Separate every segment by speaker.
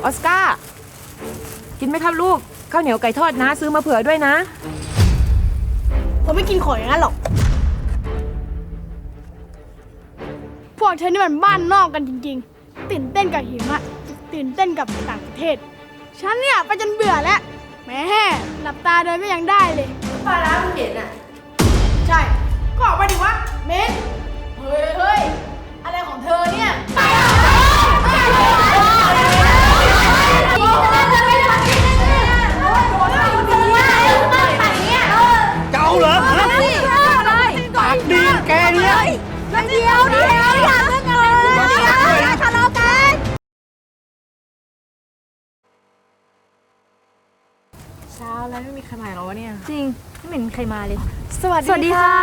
Speaker 1: ออสการ์กินไหมครับลูกข้าวเหนียวไก่ทอดนะซื้อมาเผื่อด้วยนะ
Speaker 2: ผมไม่กินของอย่างนั้นหรอกพวกเธอนี่มันบ้านนอกกันจริงๆตื่นเต้นกับหิมะตื่นเต้นกับต่างประเทศฉันเนี่ยไปจนเบื่อแล้วแหม่หลับตาเดินก็ยังได้เลยปลาร้ามันเห็นอ่ะใช่ก็ออกไปดิวะเม้นเฮ้ยอะไรของเธอเนี่ย
Speaker 3: เจ้าเหรอปากดีแกเนี่ย
Speaker 2: เดียวอย่าเพิ่งเลยทะเลาะกัน
Speaker 1: เช้าแล้วไม่มีใครมาหรอวะเนี่ย
Speaker 4: จริงไม่เห็นใครมาเลย
Speaker 1: สวัสดีค่ะ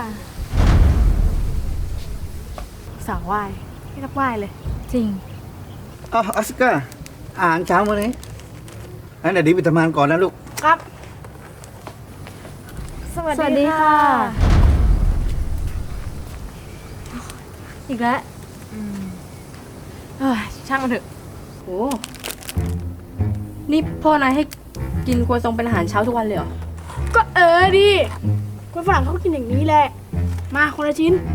Speaker 1: สาววายไม่รับไหวเลย
Speaker 4: จริง
Speaker 3: ออสการ์อ่านเช้ามาเลยงั้นเดี๋ยวดีไปทำงานก่อนนะลูก
Speaker 2: ครับ
Speaker 4: สวัสดีค่ะอีกแล้ว
Speaker 1: ช่างมันเถอะ
Speaker 4: โอ้นี่พ่อนายให้กินครัวซองเป็นอาหารเช้าทุกวันเลยเหรอ
Speaker 2: ก็ดิคนฝรั่งเขากินอย่างนี้แหละมาคนละชิ้น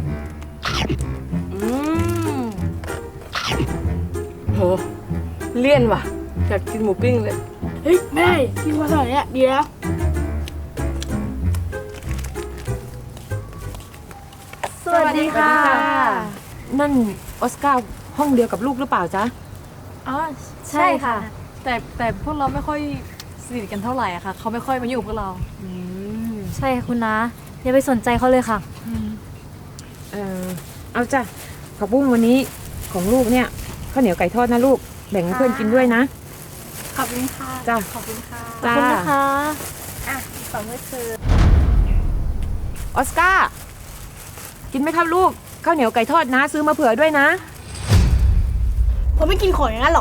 Speaker 1: โหเลี่ยนว่ะอยากกินหมูปิ้งเลย
Speaker 2: เฮ้ยแม่กินมาสมัยเนี้ยดีแล้ว
Speaker 4: สวัสดีค่ะ
Speaker 1: นั่นออสการ์ห้องเดียวกับลูกหรือเปล่าจ๊ะ
Speaker 4: อ๋อใช่ค่ะแต่พวกเราไม่ค่อยสนิทกันเท่าไหร่อะค่ะเขาไม่ค่อยมาอยู่กับพวกเราใช่ค่ะคุณนะอย่าไปสนใจเขาเลยค่ะ
Speaker 1: เอาจ้ะผักบุ้งวันนี้ของลูกเนี่ยข้าวเหนียวไก่ทอดนะลูกแบ่งให้เพื่อนกินด้วยนะ
Speaker 2: ขอบคุณค่ะ
Speaker 1: จ้ะ
Speaker 2: ขอบคุณค่ะ
Speaker 4: ขอบคุณนะคะ
Speaker 2: สองมือถือ
Speaker 1: ออสการ์กินไหมครับลูกข้าวเหนียวไก่ทอดนะซื้อมาเผื่อด้วยนะ
Speaker 2: ผมไม่กินของอย่างนั้นหรอก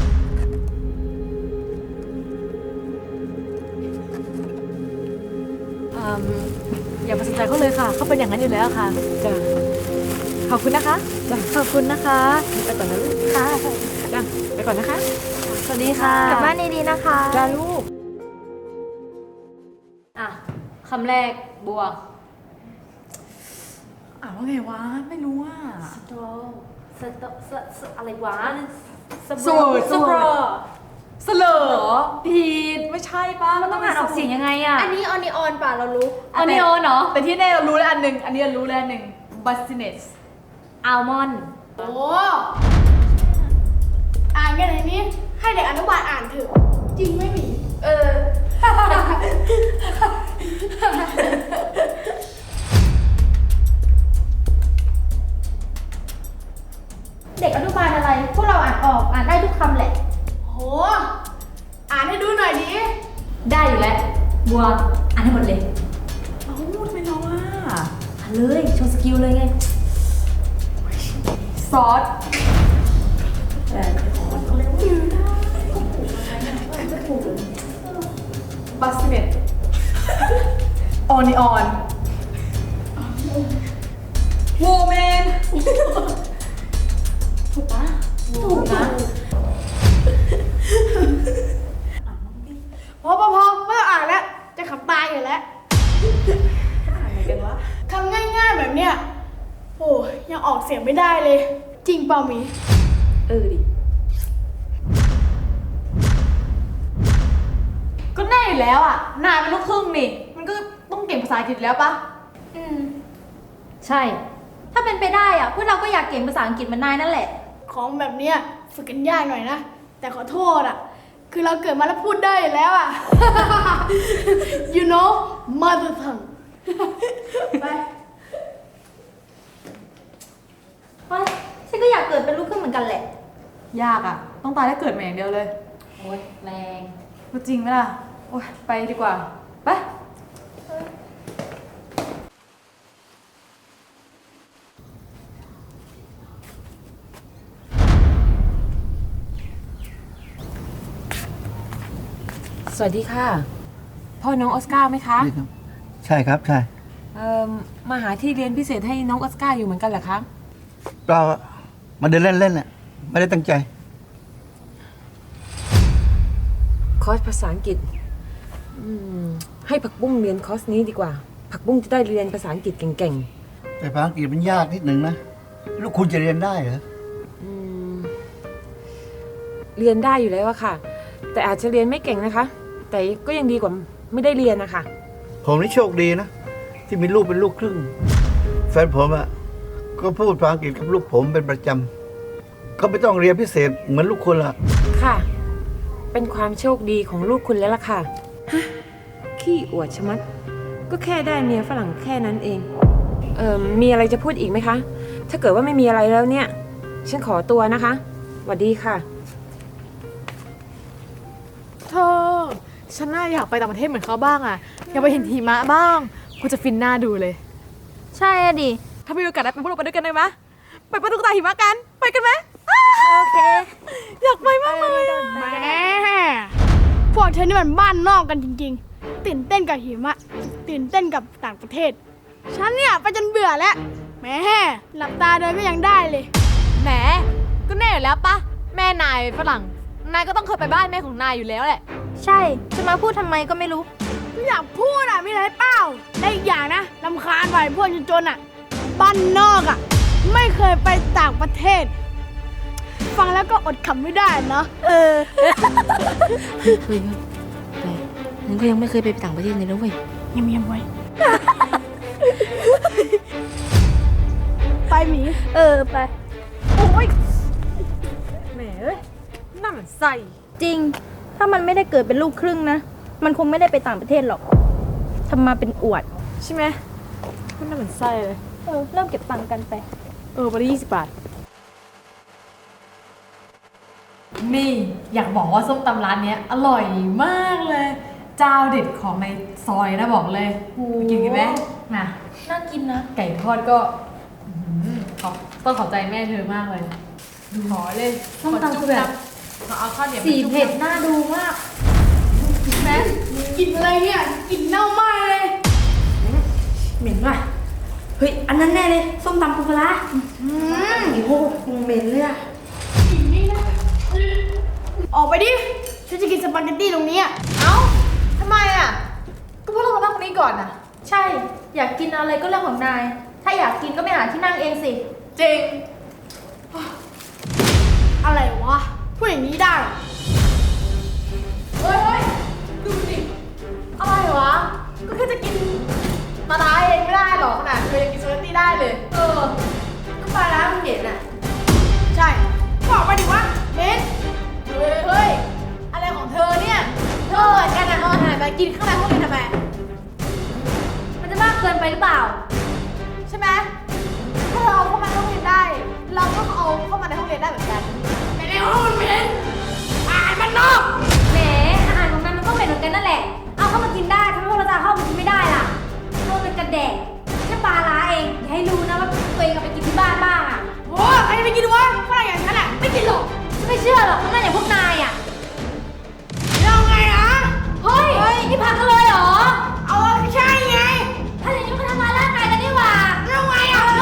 Speaker 4: อย่าไปสนใจเขาเลยค่ะเขาเป็นอย่างนั้นอยู่แล้วค่ะ
Speaker 1: จ้ะ
Speaker 4: ขอบคุณนะคะ
Speaker 1: จ้ะ
Speaker 4: ขอบคุณนะคะ
Speaker 1: ไปก่อนนะลูก
Speaker 4: ค่ะ
Speaker 1: จ้ะไปก่อนนะคะ
Speaker 4: สวัสดีค่ะ
Speaker 2: กลับบ้านดีๆนะคะ
Speaker 1: จ้าลูก
Speaker 4: คำแรกบัว
Speaker 1: ว่าไงวะไม่รู้อ่ะ
Speaker 4: สตรออะไรวะ
Speaker 1: สลอผิดไม่ใช่ป่ะ
Speaker 4: มันต้องอ่านออกเสียงยังไงอ่ะ
Speaker 2: อันนี้ออนิออนป่ะเรารู้
Speaker 4: ออนิออนเหรอ
Speaker 1: แต่ที่แน่เรารู้แล้วอันหนึ่งอันนี้เรารู้แล้วอันหนึ่งบัสติเนส
Speaker 4: อัลมอนด์
Speaker 2: โอ้อ่านกันในนี้ให้เด็กอนุบาลอ่านเถอะจริงไม่มี
Speaker 4: เด็กอนุบาลอะไรพวกเราอ่านออกอ่านได้ทุกคำแหละ
Speaker 2: โหอ่านให้ดูหน่อยดิ
Speaker 4: ได้อยู่แล้วบัวอ่านให้หมดเลย
Speaker 1: พูดไปแล้วว่า
Speaker 4: อ่านเลยโชว์สกิลเลยไง
Speaker 1: ซอสบัสเน็ตออนิออนโวเมนถูกปะถูกนะ
Speaker 2: พอไม่ต้องอ่านแล้วจะขับตายอยู่แล้ว
Speaker 1: อ่านอะไรกันวะ
Speaker 2: คำง่ายๆแบบเนี้ยโอ้ยังออกเสียงไม่ได้เลยจริงเปล่ามี
Speaker 1: ดิก็แน่อยู่แล้วอ่ะนายเป็นลูกครึ่งนี่มันก็ต้องเก่งภาษาอังกฤษแล้วปะ
Speaker 4: ใช่ถ้าเป็นไปได้อ่ะพวกเราก็อยากเก่งภาษาอังกฤษเหมือนนายนั่นแหละ
Speaker 2: ของแบบเนี้ยฝึกกันยากหน่อยนะแต่ขอโทษอ่ะคือเราเกิดมาแล้วพูดได้อยู่แล้วอ่ะ you know mother tongue ไป
Speaker 4: ฉันก็อยากเกิดเป็นลูกครึ่งเหมือนกันแหละ
Speaker 1: ยากอ่ะต้องตายแล้วเกิดมาอย่างเดียวเลย
Speaker 4: โอ๊ยแรง
Speaker 1: ก็จริงไหมล่ะโอ๊ยไปดีกว่าไปสวัสดีค่ะพ่อน้องออสการ์ไหมคะ
Speaker 3: ใช่ครับใช่
Speaker 1: มาหาที่เรียนพิเศษให้น้องออสการ์อยู่เหมือนกันเหรอคะ
Speaker 3: เรามาเดินเล่นๆน่ะไม่ได้ตั้งใจ
Speaker 1: คอร์สภาษาอังกฤษให้ผักบุ้งเรียนคอร์สนี้ดีกว่า ผักบุ้งจะได้เรียนภาษาอังกฤษเก่ง
Speaker 3: แต่ภาษาอังกฤษมันยากนิดหนึ่งนะ ลูกคุณจะเรียนได้เหรอ
Speaker 1: เรียนได้อยู่แล้วอะค่ะ แต่อาจจะเรียนไม่เก่งนะคะ แต่ก็ยังดีกว่าไม่ได้เรียนนะคะ
Speaker 3: ผมนี่โชคดีนะ ที่มีลูกเป็นลูกครึ่ง แฟนผมอะก็พูดภาษาอังกฤษกับลูกผมเป็นประจำก็ไม่ต้องเรียนพิเศษเหมือนลูกคุณละ
Speaker 1: ค่ะ เป็นความโชคดีของลูกคุณแล้วล่ะค่ะฮะขี้อวดชะมัด ก็แค่ได้เมียฝรั่งแค่นั้นเอง มีอะไรจะพูดอีกไหมคะ ถ้าเกิดว่าไม่มีอะไรแล้วเนี่ย ฉันขอตัวนะคะสวัสดีค่ะ
Speaker 5: เธอ ฉันน่าอยากไปต่างประเทศเหมือนเขาบ้างอะอยากไปเห็นหิมะบ้างกูจะฟินหน้าดูเลย
Speaker 4: ใช่อะดิ
Speaker 5: ถ้ามีโอกาสได้ไปพวกเราไปด้วยกันได้ไหมไปปะตุ๊กตาหิมะกัน ไปกันไหม
Speaker 4: โอเค
Speaker 5: อยากไปมากเลยอะ
Speaker 2: แหมพวกเธอนี่มันบ้านนอกกันจริงๆ ตื่นเต้นกับหิมะ ตื่นเต้นกับต่างประเทศ ฉันเนี่ยไปจนเบื่อแล้วแหมหลับตาเดินก็ยังได้เลย
Speaker 5: แหมก็แน่อยู่แล้วปะแม่นายฝรั่ง นายก็ต้องเคยไปบ้านแม่ของนายอยู่แล้วแหละ
Speaker 4: ใช่ จะมาพูดทำไมก็ไม่รู้
Speaker 2: อยากพูดอ่ะมีอะไรเปล่าได้อีกอย่างนะรำคาญไปพวกจนๆอ่ะ บ้านนอกอ่ะ ไม่เคยไปต่างประเทศ ฟังแล้วก็อดขำไม่ได้เนาะ
Speaker 6: เคยแต่งั้นก็ยังไม่เคยไปต่างประเทศเลยนะเว้ย
Speaker 2: เงียบๆไว้ ไปหมี
Speaker 4: ไป
Speaker 5: แหมเอ้ยน่าเหมือนใส่
Speaker 4: จริง ถ้ามันไม่ได้เกิดเป็นลูกครึ่งนะ มันคงไม่ได้ไปต่างประเทศหรอกทำมาเป็นอวด
Speaker 5: ใช่ไหมมันน่าเหมือนไส้เลย
Speaker 4: เริ่มเก็บตังค์กันไป
Speaker 5: วันละ20 บาท นี่อยากบอกว่าส้มตำร้านเนี้ยอร่อยมากเลย เจ้าเด็ดของในซอยนะบอกเลยไปกินกันไหมนะ
Speaker 4: น่ากินนะ
Speaker 5: ไก่ทอดก็ต้องขอบใจแม่เธอมากเลยขอเลย
Speaker 4: ส้มตำคือแบบ
Speaker 5: ขอเอาข้าวเหนียว
Speaker 4: สีเผ็ดน่าดูมาก
Speaker 2: แม่กินอะไรเนี่ยกินเน่ามากเลย
Speaker 6: เหม็นว่ะ เฮ้ย อันนั้นแน่เลย ส้มตำปูปลาร้าโอ้โหเหม็นเลยอะ
Speaker 2: กินนี่นะออกไปดิฉันจะกินสปาเกตตี้ตรงนี้อะ
Speaker 5: เอ้าทำไมอ่ะก็เพราะเรามานั่งตรงนี้ก่อนอ่ะ
Speaker 4: ใช่ อยากกินอะไรก็เรื่องของนาย ถ้าอยากกินก็ไปหาที่นั่งเองสิ
Speaker 5: จริง
Speaker 2: อะไรวะพูดอย่างนี้ได้เหรอ
Speaker 5: เฮ้ยดูสิอะไรวะก็แค่จะกินมาตาเองไม่ได้หรอกขนาดเธอยังกินสปาเกตตี้ได้เลยก็ปลาร้ามันเห็นอ่ะ
Speaker 2: ใช่บอกไปดิวะเบน
Speaker 5: เฮ้ย อะไรของเธอเนี่ย เธอเหมือนกันอ่ะเอาอาหารมากินข้างในห้องเรียนทำไม
Speaker 4: มันจะมากเกินไปหรือเปล่า
Speaker 5: ใช่ไหมถ้าเราเอาเข้ามาในห้องเรียนได้ เราก็เอาเข้ามาในห้องเรียนได้เหมือนกัน
Speaker 2: ไม่ได้ห้องมันเบนอ่านมันนอก
Speaker 4: แหมอาหารของนายมันก็เหม็นเหมือนกันนั่นแหละ เอาเข้ามากินได้ทำไมพวกเราจะเอาเข้ามากินไม่ได้ล่ะพวกเป็นกระแดกแค่ปลาร้าเอง อย่าให้รู้นะว่าตัวเองเอาไปกินที่บ้านบ้างอ่ะ
Speaker 2: โอ้ใครจะไปกินวะฝรั่งอย่างฉันอ่ะไม่กินหรอก
Speaker 4: ฉันไม่เชื่อหรอกเพราะนั่นอย่างพวกนายอ่ะ
Speaker 2: แล้วไงอ่ะ
Speaker 4: เฮ้ย นี่พักกันเลยเหรอ
Speaker 2: เอาใช่ไง
Speaker 4: ถ้าอย่างนี้มันทำร้ายร่างกายกันนี่หว่า
Speaker 2: แล้วไงอ่ะเอา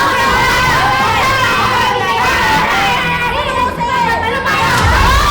Speaker 4: นี่ดูสิไปทำไมอ่ะ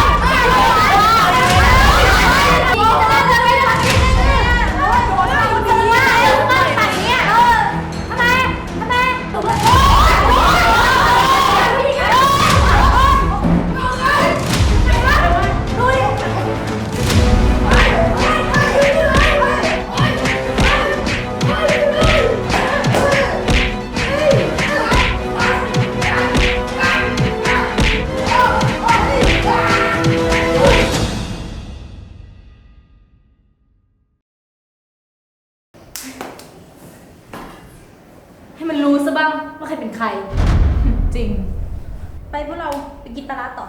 Speaker 4: ให้มันรู้ซะบ้างว่าใครเป็นใคร
Speaker 5: จริง
Speaker 4: ไปพวกเราไปกินปลาร้าต่อ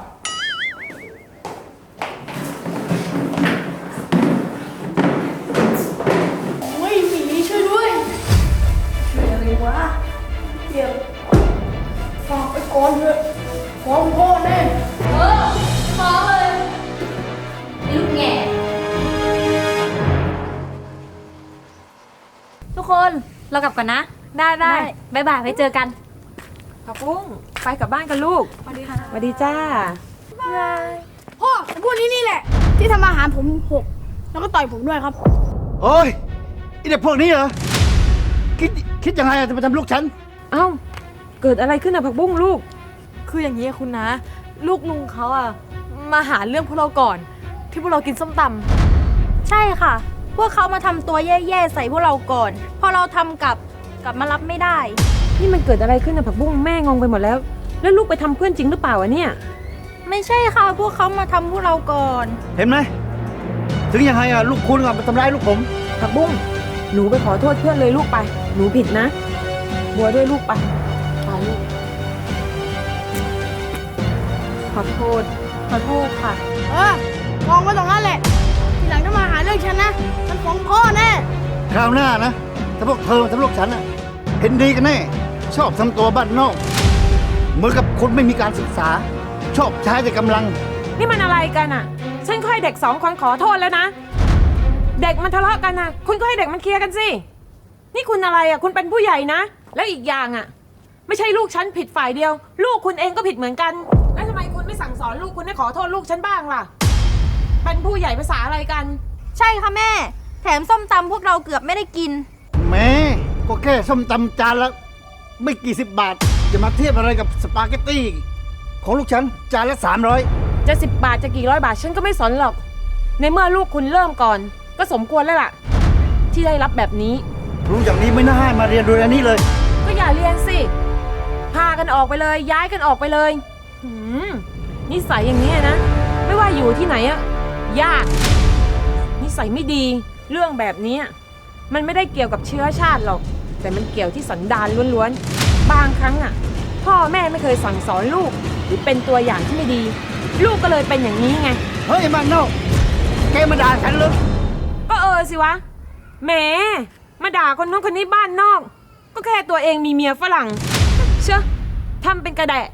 Speaker 2: โอ้ยหมีช่วยด้วยช่วยอะไรวะเดี๋ยวฝากไปก่อนเถอะฟ้องพ่อแน่
Speaker 4: ฟ้องเลยลูกแง่ทุกคนเรากลับก่อนนะ
Speaker 5: ได้
Speaker 4: บ๊ายบายไว้เจอกัน
Speaker 1: ผักบุ้งไปกลับบ้านกันลูก
Speaker 5: สวัสดีค่ะ
Speaker 1: สวัสดีจ้า
Speaker 2: พ่อพวกนี้นี่แหละที่ทำอาหารผมหกแล้วก็ต่อยผมด้วยครับ
Speaker 3: โอ้ยไอเด็กพวกนี้เหรอ คิดยังไงอะจะมาทำลูกฉัน
Speaker 1: เอ้า เกิดอะไรขึ้นอะผักบุ้งลูก
Speaker 4: คืออย่างนี้อะคุณนะ ลูกลุงเขาอะมาหาเรื่องพวกเราก่อน ที่พวกเรากินส้มตำ
Speaker 6: ใช่ค่ะ พวกเขามาทำตัวแย่ๆใส่พวกเราก่อน พอเราทำกลับมารับไม่ได้
Speaker 1: นี่มันเกิดอะไรขึ้นอะผักบุ้งแม่งงไปหมดแล้ว แล้วลูกไปทำเพื่อนจริงหรือเปล่าวะเนี่ย
Speaker 6: ไม่ใช่ค่ะ พวกเขามาทำพวกเราก่อน
Speaker 3: เห็นไหม ถึงยังไงอะลูกคุณอะมาทำร้ายลูกผม
Speaker 1: ผักบุ้งหนูไปขอโทษเพื่อนเลยลูกไป หนูผิดนะ บัวด้วยลูกไปไปลูก
Speaker 4: ขอโทษค่ะ
Speaker 2: มองไว้ตรงนั้นแหละ ทีหลังถ้ามาหาเรื่องฉันนะ ฉันฟ้องพ่อแน่
Speaker 3: คราวหน้านะ ถ้าพวกเธอมาทำลูกฉันอะเห็นดีกันแน่ ชอบทำตัวบ้านนอก เหมือนกับคนไม่มีการศึกษา ชอบใช้แต่กำลัง
Speaker 1: นี่มันอะไรกันอะฉันก็ให้เด็ก2 คนขอโทษแล้วนะ เด็กมันทะเลาะกันนะคุณก็ให้เด็กมันเคลียร์กันสิ นี่คุณอะไรอะคุณเป็นผู้ใหญ่นะ แล้วอีกอย่างอะไม่ใช่ลูกฉันผิดฝ่ายเดียว ลูกคุณเองก็ผิดเหมือนกัน แล้วทำไมคุณไม่สั่งสอนลูกคุณให้ขอโทษลูกฉันบ้างล่ะ เป็นผู้ใหญ่ภาษาอะไรกัน
Speaker 6: ใช่ค่ะแม่ แถมส้มตำพวกเราเกือบไม่ได้กิน
Speaker 3: แม่ก็แค่ส้มตำจานละไม่กี่สิบบาท จะมาเทียบอะไรกับสปาเกตตี้ของลูกฉันจานละ300
Speaker 1: จะ10 บาทจะกี่ร้อยบาทฉันก็ไม่สนหรอก ในเมื่อลูกคุณเริ่มก่อน ก็สมควรแล้วล่ะ ที่ได้รับแบบนี้
Speaker 3: รู้อย่างนี้ไม่น่าให้มาเรียนโดยอันนี้เลย
Speaker 1: ก็อย่าเรียนสิ พากันออกไปเลย ย้ายกันออกไปเลยหืมนิสัยอย่างนี้นะ ไม่ว่าอยู่ที่ไหนอะยาก นิสัยไม่ดี เรื่องแบบนี้มันไม่ได้เกี่ยวกับเชื้อชาติหรอก แต่มันเกี่ยวที่สันดานล้วนๆ บางครั้งอะพ่อแม่ไม่เคยสั่งสอนลูก หรือเป็นตัวอย่างที่ไม่ดี ลูกก็เลยเป็นอย่างนี้ไง
Speaker 3: เฮ้ยมันนอกแกมาด่าฉันเลย
Speaker 1: ก็สิวะ แหม มาด่าคนนู้นคนนี้บ้านนอก ก็แค่ตัวเองมีเมียฝรั่ง เชื่อทำเป็นกระแดะ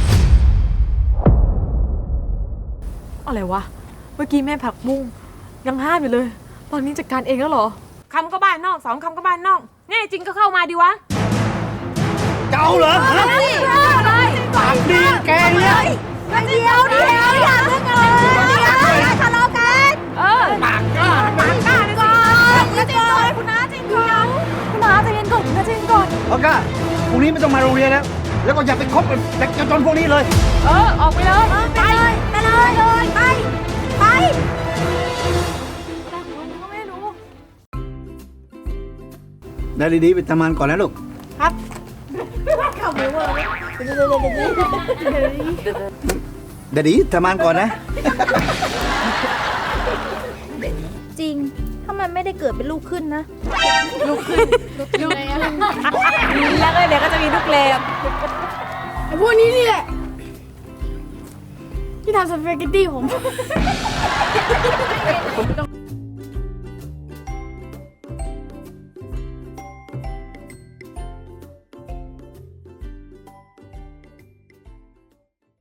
Speaker 4: อะไรวะ เมื่อกี้แม่ผักบุ้งยังห้ามอยู่เลย ตอนนี้จัดการเองแล้วเหรอ
Speaker 1: คำก็บ้านนอก2 คำก็บ้านนอก แน่จริงก็เข้ามาดิวะ
Speaker 3: เจ้าเหรอฮะปากดีแกเนี่ย
Speaker 6: เดี๋ยวอย่าเพิ่งเลยทะเลาะกัน
Speaker 3: ปากกล้า
Speaker 1: ปากกล้าเลยสิ
Speaker 6: คุณน้าจริงก่อนคุณน้าใจเย็นก่อนคุณน้าใจเย็นก่อน
Speaker 3: โอเคพรุ่งนี้ไม่ต้องมาโรงเรียนแล้ว แล้วก็อย่าไปคบกับเด็กจนพวกนี้เลย
Speaker 1: ออกไปเลย
Speaker 6: ไปเลยไป
Speaker 3: ได้ดีๆไปทำงานก่อนนะลูก
Speaker 2: ครับ
Speaker 3: เดี๋ยวดีทำงานก่อนนะ
Speaker 6: จริง ถ้ามันไม่ได้เกิดเป็นลูกขึ้นนะ
Speaker 4: แล้วก็เดี๋ยวก็จะมีลูกเลม
Speaker 2: ไอ้พวกนี้นี่แหละ ที่ทำสปาเกตตี้ผม